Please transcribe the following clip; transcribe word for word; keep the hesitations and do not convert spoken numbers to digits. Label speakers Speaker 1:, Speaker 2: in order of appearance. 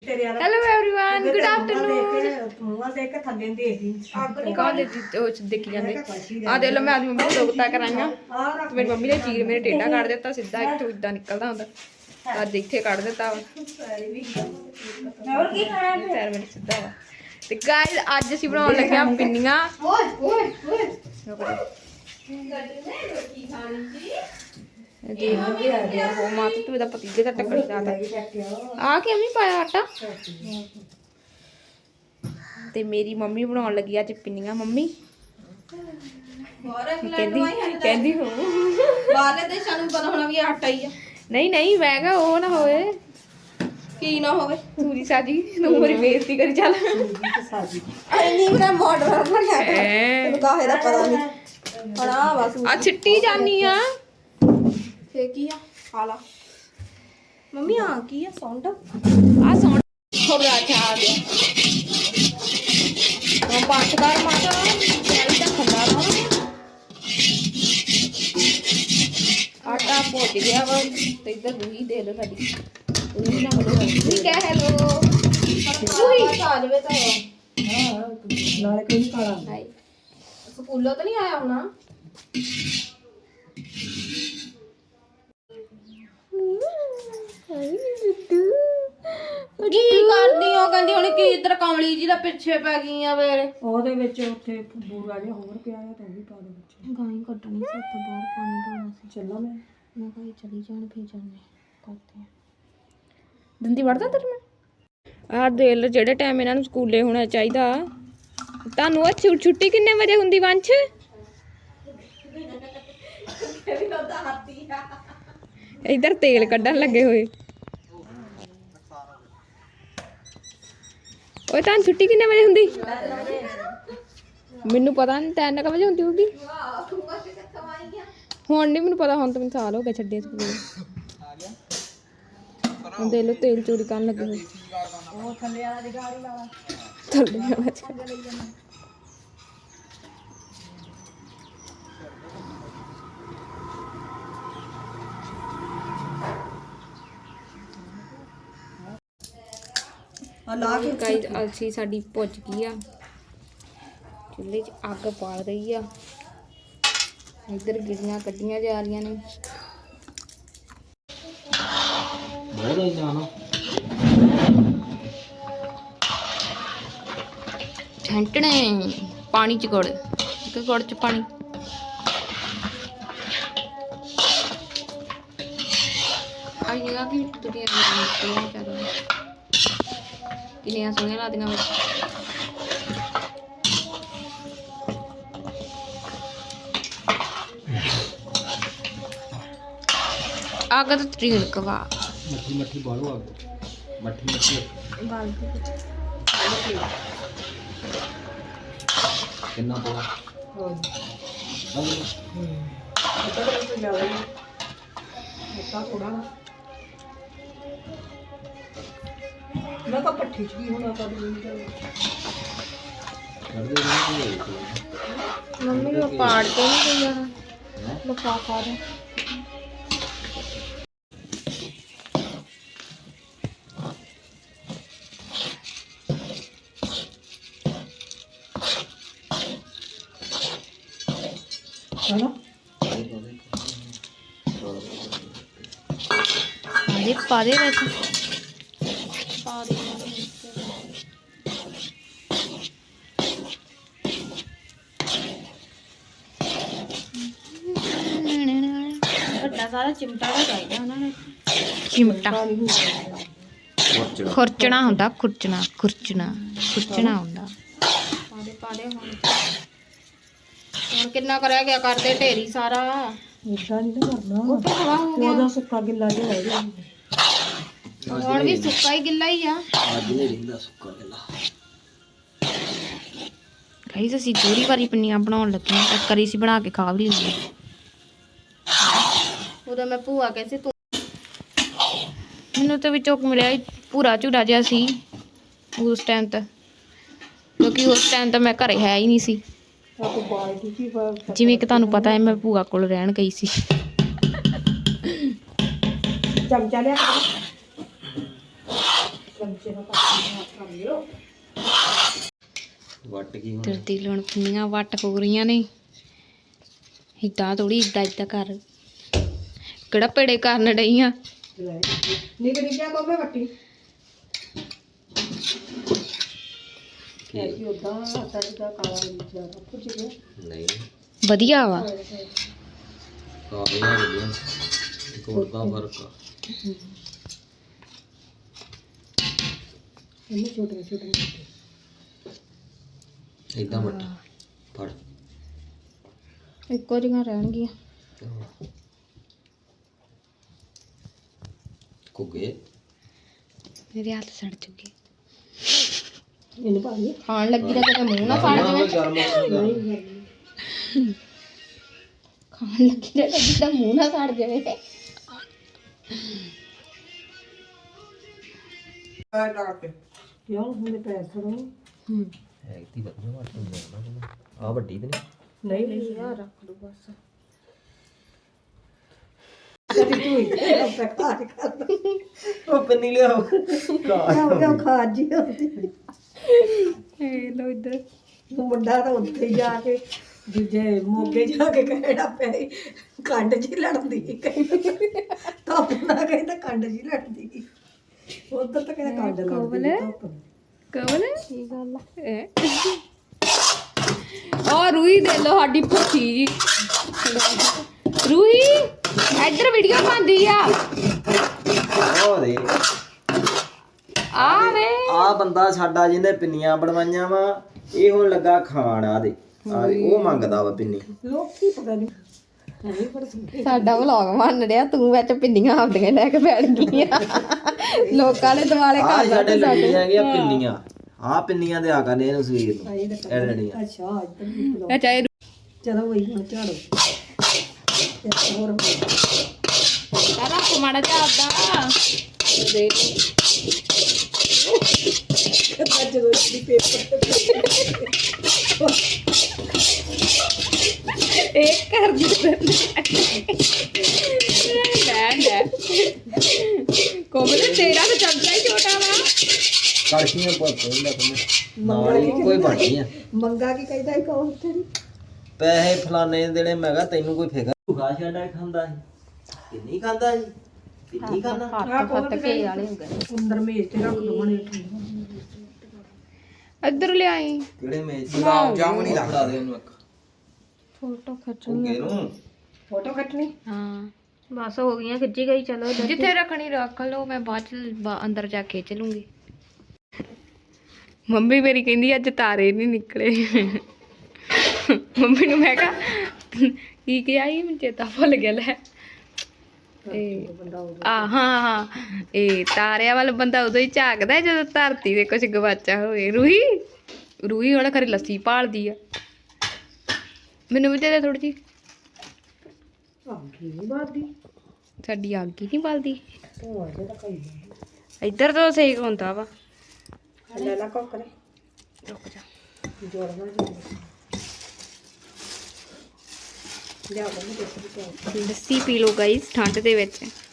Speaker 1: Hello everyone good afternoon
Speaker 2: मुंह देख के थल्ले देखी
Speaker 1: अग नहीं कौन दे देखी जांदे आ देख लो मैं आज मम्मी को दोगता कराईਆਂ ਤੇ ਮੇਰੀ ਮੰਮੀ ਨੇ ਚੀਰ ਮੇਰੇ ਟੇਡਾ ਕੱਢ ਦਿੱਤਾ ਸਿੱਧਾ ਇੱਥੋਂ ਇਦਾਂ ਨਿਕਲਦਾ ਹੁੰਦਾ ਅੱਜ ਇੱਥੇ ਕੱਢ ਦਿੱਤਾ ਹੋਰ ਕੀ ਖਾਣਾ ਹੈ ਪੈਰ ਮੇਰੇ ਸਿੱਧਾ ਵਾ ਤੇ ਗਾਇਸ ਅੱਜ ਅਸੀਂ ਬਣਾਉਣ ਲੱਗੇ ਆ ਪਿੰਨੀਆਂ ਓਏ ਓਏ ਓਏ ਰੋਟੀ ਖਾਣੀ ਸੀ जी वो माता तू इधर पतीले का टक्कर जाता आ के अम्मी पाया आटा ते मेरी मम्मी बनाने लगी आज पिन्नियां मम्मी कहंदी कहंदी हो बाहरले देशां ਨੂੰ ਪਤਾ ਹੋਣਾ ਵੀ ਆਟਾ ਹੀ ਆ ਨਹੀਂ ਨਹੀਂ ਮੈਂ ਕਿਹਾ ਉਹ ਨਾ ਹੋਵੇ ਕੀ ਨਾ ਹੋਵੇ ਪੂਰੀ ਸਾਜੀ ਨੂੰ ਮੇਰੀ ਬੇਇੱਜ਼ਤੀ ਕਰੀ ਚੱਲ ਸਾਜੀ ਐਨੀ ਮੇਰਾ ਮਾਡਲ ਬਣਿਆ ਤੈਨੂੰ ਕਾਹੇ ਦਾ ਪਤਾ ਨਹੀਂ ਬਣਾ ਬਸ ਆ ਛਿੱਟੀ ਜਾਨੀ ਆ ਫੇ ਕੀ ਆ ਹਾਲਾ ਮੰਮੀ ਆ ਕੀ ਆ ਸਾਊਂਡ ਆ ਸਾਊਂਡ ਥੋੜਾ ਜਿਹਾ ਆ ਗਿਆ ਉਹ ਪੰਜ ਕਾਰ ਮਾਤਾ ਚਾਲੀ ਦਾ ਖੰਡਾ ਵਾ ਆਟਾ ਪੋਚ ਗਿਆ ਵਾ ਤੇ ਇੱਧਰ ਦੂਈ ਦੇ ਦੋ ਸਾਡੀ ਦੂਈ ਨਾ ਬੋਲੋ ਠੀਕ ਹੈ ਹੈਲੋ ਦੂਈ ਆ ਜਵੇ ਤਾਂ ਹਾਂ ਨਾਲੇ ਕੋਈ ਕਾਲਾ ਨਹੀਂ ਸਕੂਲੋਂ ਤਾਂ ਨਹੀਂ ਆਇਆ ਹੋਣਾ ਕੀ ਕਰਦੀ ਹੋ ਕਹਿੰਦੀ ਹੁਣ ਕੀ ਇਧਰ ਕਮਲੀ ਜੀ ਦਾ ਪਿੱਛੇ ਪੈ ਗਈ ਆ ਵੇਲੇ
Speaker 2: ਉਹਦੇ ਵਿੱਚ ਉੱਥੇ ਬੂਰਾ ਜਿਹਾ ਹੋਰ ਪਿਆ ਆ ਤਾਂ ਉਹ ਵੀ ਪਾ ਦੇ ਵਿੱਚ
Speaker 1: ਗਾਈ ਕੱਢਣੀ ਸੀ ਉੱਥੇ ਬਾਹਰ ਪਾਣੀ ਢੋਣਾ ਸੀ
Speaker 2: ਚੱਲਾਂ ਮੈਂ
Speaker 1: ਮੈਂ ਕਿਹਾ ਚਲੀ ਜਾਣ ਫੇਰ ਜਾਣੇ ਕਰਦੇ ਆ ਦੰਦੀ ਵੜਦਾ ਤੇਰੇ ਮੈਂ ਆਹ ਦੇ ਲੋ ਜਿਹੜੇ ਟਾਈਮ ਇਹਨਾਂ ਨੂੰ ਸਕੂਲੇ ਹੋਣਾ ਚਾਹੀਦਾ ਤੁਹਾਨੂੰ ਉਹ ਛੁੱਟੀ ਕਿੰਨੇ ਵਜੇ ਹੁੰਦੀ ਵੰਸ਼ इधर तेल कढ़न लगे हुए ओए तान छुट्टी कितने बजे हुंदी मैनू पता नहीं तीन क बजे हुंदी होगी हुण नहीं मैनू पता हुण तो मैनू साल हो गया छड्डे स्कूल हुण देख लो तेल चोरी करन लगे हुए ओ थल्ले वाला दी गाड़ी वाला थल्ले वाला गाइस अलसी साडी भुज गई आ चुल्हे च अग बाल रही आ इधर गिरियां कड्डियां जा रही ने छंटने पानी च गुड़ एक गुड़ च पानी आइएगा कि तुम किनिया सोहनिया लादियां में आग तो त्रीन कवा मट्ठी मट्ठी बालो आग मट्ठी मट्ठी बाल कितना बोला हो इधर तो जावे इतना थोड़ा मैं तो पट्टी च भी होना था मम्मी को पाड़ के नहीं गई यार लिफाफा दे हेलो अरे पादे वैसे सारा चिमटा का चाहिए उन्होंने चिमटा खुरचना होंदा खुरचना खुरचना खुरचना होंदा पादे पादे हुन हुन कितना करया गया करदे ढेरी सारा इतना नहीं करना वो तो हवा हो गया ओदा सुक्का गिल्ला जो रह गया हुन भी सुक्का ही गिल्ला ही आ आज नहीं रहिंदा सुक्का गिल्ला गाइस ਅਸੀਂ ਦੂਰੀ ਵਾਰੀ ਪਿੰਨੀਆਂ ਬਣਾਉਣ ਲੱਗੇ ਆ ਕਰੀ ਸੀ ਬਣਾ ਕੇ ਖਾ ਵੀ ਲਈ ਉਹਦਾ ਮੈਂ ਭੂਆ ਕਹਿੰਦੀ ਤੂੰ ਮੈਨੂੰ ਤਾਂ ਵਿੱਚੋਂ ਮਿਲਿਆ ਪੂਰਾ ਝੂੜਾ ਜਿਹਾ ਸੀ ਉਸ ਟਾਈਮ ਤੇ ਕਿਉਂਕਿ ਉਸ ਟਾਈਮ ਤਾਂ ਮੈਂ ਘਰੇ ਹੈ ਹੀ ਨਹੀਂ ਸੀ ਜਿਵੇਂ ਕਿ ਤੁਹਾਨੂੰ ਪਤਾ ਹੈ ਮੈਂ ਭੂਆ ਕੋਲ ਰਹਿਣ ਗਈ ਸੀ ਚਮਚਾ ਲਿਆ
Speaker 2: ਚਮਚੇ ਨਾਲ ਕੱਟ ਕਰ ਲਿਓ
Speaker 3: ਵੱਟ ਕੀ ਹੁਣ
Speaker 1: ਤਰਤੀ ਲੂਣ ਪਿੰਨੀਆਂ ਵੱਟ ਹੋ ਰਹੀਆਂ ਨੇ ਏਦਾਂ ਥੋੜੀ ਏਦਾਂ ਏਦਾਂ ਕਰ ਕਿਹੜਾ ਪੇੜੇ ਕਰਨ ਡਈਆਂ
Speaker 2: ਲੈ ਨਿਕ ਨਿਕਿਆ ਕੋਵੇਂ ਵੱਟੀ ਕਿ ਉਦਾਂ ਆਟਾ ਜਿਹਾ ਕਾਲਾ ਜਿਆਦਾ ਕੁਝ ਗਿਆ
Speaker 3: ਨਹੀਂ
Speaker 1: ਵਧੀਆ ਵਾ
Speaker 3: ਕਾਬਲੀਆਂ ਵਧੀਆ ਕੋਲ ਦਾ ਫਰਕ ਆ
Speaker 2: ਇਹਨੇ ਛੋਟੇ ਛੋਟੇ
Speaker 3: ਇਦਾਂ ਵੱਟ ਫੜ
Speaker 1: ਇੱਕੋ ਜਿਹੀਆਂ ਰਹਿਣਗੀਆਂ
Speaker 3: ਕੁਗੇ
Speaker 1: ਮੇਰੇ ਹੱਥ ਸੜ ਚੁੱਕੇ
Speaker 2: ਇਹਨੇ ਪਾ ਲਈ
Speaker 1: ਖਾਣ ਲੱਗੀ ਤਾਂ ਕਿਤੇ ਮੂੰਹ ਨਾ ਸੜ ਜਾਵੇ
Speaker 3: ਗਰਮ
Speaker 1: ਖਾਣ ਲੱਗੀ ਤਾਂ ਲੱਗੀ ਤਾਂ ਮੂੰਹ ਨਾ ਸੜ ਜਾਵੇ
Speaker 2: ਯਾਰ ਹੁਣੇ ਪੈਰ ਫੜੋ ਹੂੰ
Speaker 3: ਹੈ ਇਤੀ ਵਧੀਆ ਵੱਟ ਹੋ ਜਾਣਾ ਆ ਵੱਡੀ ਤੇ ਨਹੀਂ
Speaker 2: ਨਹੀਂ ਨਹੀਂ ਯਾਰ ਰੱਖ ਦੋ ਬਸ ਤੇਰੀ ਤੂੰ ਇਹ ਪ੍ਰਕਾਰ ਕਰ
Speaker 3: ਉਹ ਪੰਨੀ ਲਿਆਓ
Speaker 2: ਹੋ ਗਿਆ ਖਾ ਜੀ
Speaker 1: ਏ ਲੋ ਇੱਧਰ
Speaker 2: ਮੁੰਡਾ ਤਾਂ ਉੱਥੇ ਹੀ ਜਾ ਕੇ ਦੂਜੇ ਮੋਗੇ ਜਾ ਕੇ ਕਹਿਣਾ ਪਿਆ ਸੀ, ਕੰਡ ਜੀ ਲੜਦੀ ਤਾਂ ਆਪਣਾ ਕਹਿੰਦਾ ਕੰਡ ਜੀ ਲੜਦੀ ਉਧਰ ਤਾਂ ਕਹਿੰਦਾ ਕੰਡ ਲੜਦੀ ਧੁੱਪ ਨਾਲ।
Speaker 1: ਕਵਲ ਕੀ ਗੱਲ ਹੈ ਆ ਰੂਹੀ ਦੇ ਲੋ ਸਾਡੀ ਭੁੱਖੀ ਜੀ ਰੂਹੀ ਇੱਧਰ ਵੀਡੀਓ ਬਣਦੀ ਆ
Speaker 3: ਉਹ ਦੇ
Speaker 1: ਆ ਵੇ
Speaker 3: ਆ ਬੰਦਾ ਸਾਡਾ ਜਿਹਨੇ ਪਿੰਨੀਆਂ ਬਣਵਾਈਆਂ ਵਾ ਇਹ ਹੁਣ ਲੱਗਾ ਖਾਣ ਆ ਦੇ ਆ ਦੇ, ਉਹ ਮੰਗਦਾ ਵਾ ਪਿੰਨੀ
Speaker 2: ਲੋਕੀ ਪਤਾ ਨਹੀਂ ਨਹੀਂ ਪਰ ਸੁਣਦੇ
Speaker 1: ਸਾਡਾ ਵਲੌਗ ਬਣ ਰਿਹਾ ਤੂੰ ਵਿੱਚ ਪਿੰਨੀਆਂ ਆਪਦੀਆਂ ਲੈ ਕੇ ਬੈਠ ਗਈਆਂ ਲੋਕਾਂ ਨੇ ਦਿਵਾਲੇ
Speaker 3: ਆ
Speaker 1: ਕਰ
Speaker 3: ਸਾਡੇ
Speaker 1: ਦਿੱਤੇ
Speaker 3: ਲੱਗੀ
Speaker 1: ਸਾਡੇ
Speaker 3: ਹੈਗੀਆਂ ਪਿੰਨੀਆਂ ਆ ਪਿੰਨੀਆਂ ਦੇ ਆ ਕਰਨੇ ਇਹਨੂੰ ਸਵੇਰ ਨੂੰ
Speaker 2: ਆਈ ਤਾਂ
Speaker 3: ਐਡੜੀਆਂ
Speaker 2: ਅੱਛਾ ਇੱਧਰ ਵੀ ਬੁਲਾਓ।
Speaker 1: ਇਹ ਚਾਹੇ
Speaker 2: ਚਲੋ ਵਈ ਹੁਣ ਝਾੜੋ ਇੱਕ ਹੋਰ
Speaker 1: ਸਾਰਾ ਕੁਮਾੜਾ ਚਾਹਦਾ ਦੇ
Speaker 2: ਕਿੱਦਾਂ ਜਦੋਂ ਇਸਦੀ ਪੇਪਰ
Speaker 1: ਇੱਕ ਕਰ ਦਿੱਤਾ ਲੈ ਲੈ ਕੋਮਲ ਤੇਰਾ ਤਾਂ ਚਮਚਾ ਹੀ ਛੋਟਾ ਵਾ
Speaker 3: ਕੜਛੀਆਂ ਪੁੱਤ ਲੈ ਨਾਲ ਹੀ ਕੋਈ ਬਣਨੀ ਆ
Speaker 2: ਮੰਗਾ ਕੀ ਕਹਿੰਦਾ ਇੱਕ ਹੋਰ ਤੇਰੀ
Speaker 3: ਪੈਸੇ ਫਲਾਣੇ ਦੇਣੇ ਮੈਂ ਕਿਹਾ ਤੈਨੂੰ ਕੋਈ ਫਿਕਰ ਭੁਖਾ ਛੱਡਾ ਖਾਂਦਾ ਸੀ ਕਿੰਨੀ ਖਾਂਦਾ ਸੀ ਕਿੰਨੀ ਖਾਂਦਾ
Speaker 1: ਹੱਥ ਫੱਟ ਕੇ ਵਾਲੇ ਹੋ ਗਏ
Speaker 2: ਅੰਦਰ ਮੇਜ਼ ਤੇ ਰੱਖ ਦੋ ਮਣੇ
Speaker 1: ਇੱਧਰ ਲਿਆਈ
Speaker 3: ਕਿਹੜੇ ਮੇਜ਼ ਗੁਲਾਬ ਜਾਮੁਨ ਹੀ ਲੱਗਦਾ ਦੇ ਉਹਨੂੰ ਇੱਕ
Speaker 1: ਫੋਟੋ ਖਿੱਚਣੀ
Speaker 3: ਕੁੱਗੇ ਨੂੰ
Speaker 2: ਫੋਟੋ ਕੱਟਣੀ
Speaker 1: ਹਾਂ ਬਸ ਹੋ ਗਈਆਂ ਖਿੱਚੀ ਗਈ ਚਲੋ ਜਿੱਥੇ ਰੱਖਣੀ ਰੱਖ ਲਓ ਮੈਂ ਬਾਅਦ ਚ ਬਾ- ਅੰਦਰ ਜਾ ਕੇ ਖਿੱਚ ਲੂੰਗੀ ਮੰਮੀ ਮੇਰੀ ਕਹਿੰਦੀ ਅੱਜ ਤਾਰੇ ਨਹੀਂ ਨਿਕਲੇ ਮੰਮੀ ਨੂੰ ਮੈਂ ਕਿਹਾ ਕੀ ਕਿਹਾ ਸੀ ਮੈਨੂੰ ਚੇਤਾ ਭੁੱਲ ਗਿਆ ਲੈ ਇਹ ਆ ਹਾਂ ਹਾਂ ਇਹ ਤਾਰਿਆਂ ਵੱਲ ਬੰਦਾ ਉਦੋਂ ਹੀ ਝਾਕਦਾ ਜਦੋਂ ਧਰਤੀ ਦੇ ਕੁਝ ਗਵਾਚਾ ਹੋਵੇ ਰੂਹੀ ਰੂਹੀ ਹੁਣ ਖਰੀ ਲੱਸੀ ਭਾਲਦੀ ਆ ਮੈਨੂੰ ਵੀ ਦੇ ਦੇ ਥੋੜੀ ਜਿਹੀ
Speaker 2: ਆਹ ਕੀ ਬਾਦੀ
Speaker 1: ਸਾਡੀ ਅੱਗ ਹੀ ਨਹੀਂ ਬਲਦੀ
Speaker 2: ਉਹ ਅਜੇ ਤਾਂ ਕਈ
Speaker 1: ਇੱਧਰ ਤੋਂ ਸੇਕ ਹੁੰਦਾ ਵਾ
Speaker 2: ਲੈ ਲਾ ਕੋਕਰੇ
Speaker 1: ਰੁਕ ਜਾ
Speaker 2: ਜੋੜਨਾ ਜੀ ਲਿਆ ਬੰਦ ਦੇ ਦਿੱਤੀ
Speaker 1: ਲੱਸੀ ਪੀ ਲਓ ਗਾਈਸ ਠੰਡ ਦੇ ਵਿੱਚ